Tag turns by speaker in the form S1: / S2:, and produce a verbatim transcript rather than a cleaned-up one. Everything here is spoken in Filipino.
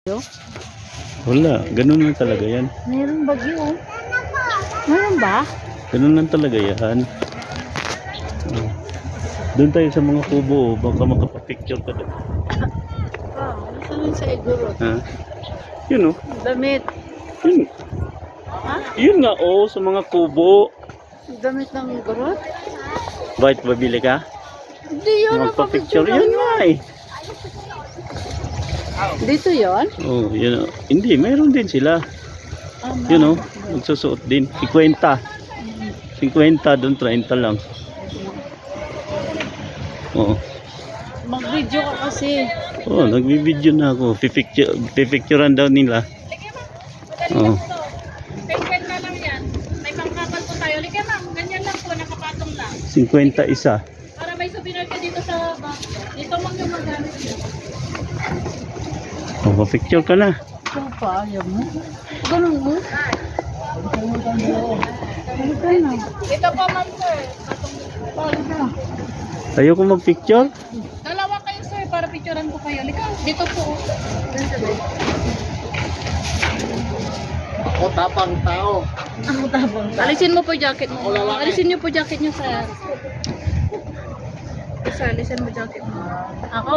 S1: Wala, ganun lang talaga yan.
S2: Meron bagyo. Meron ba?
S1: Ganun lang talaga yan. Oh. Doon tayo sa mga kubo, oh. Baka makapapicture ka doon.
S2: Ah, isa lang sa igurot.
S1: Ha? Yun oh.
S2: Damit.
S1: Yun.
S2: Ha?
S1: Yun nga oh, sa mga kubo.
S2: Damit ng igurot?
S1: Bakit babili ka?
S2: Hindi yun.
S1: Magpapicture yun nga eh.
S2: Dito yun?
S1: Oh, yun oh. Hindi, mayroon din sila.
S2: Ah,
S1: Yun oh, magsusuot din. fifty. fifty doon, thirty lang. Oo.
S2: Mag-video ka kasi.
S1: Oh, nagbi-video na ako. Pipicture, pipicturean daw nila. Oh.
S3: fifty lang yan. May pangkapal po tayo. Liga ma'am, ganyan lang po, nakapatong lang.
S1: fifty isa.
S3: Para may souvenir ka dito sa bag. Dito mang yung magamit nyo.
S1: Oh, pa-picture ka na.
S2: Ikaw pa, ayaw mo. Ganun mo. Ano ka na?
S3: Dito po ma'am sir.
S2: Paano ka?
S1: Ayoko mag-picture.
S3: Dalawa kayo sir, para picturean ko kayo. Liga, dito po.
S4: Ako tapang tao.
S2: Ako tabang ka.
S3: Alisin mo po jacket mo. Alisin niyo po jacket niyo sir. Isa, alisin mo jacket mo.
S2: Ako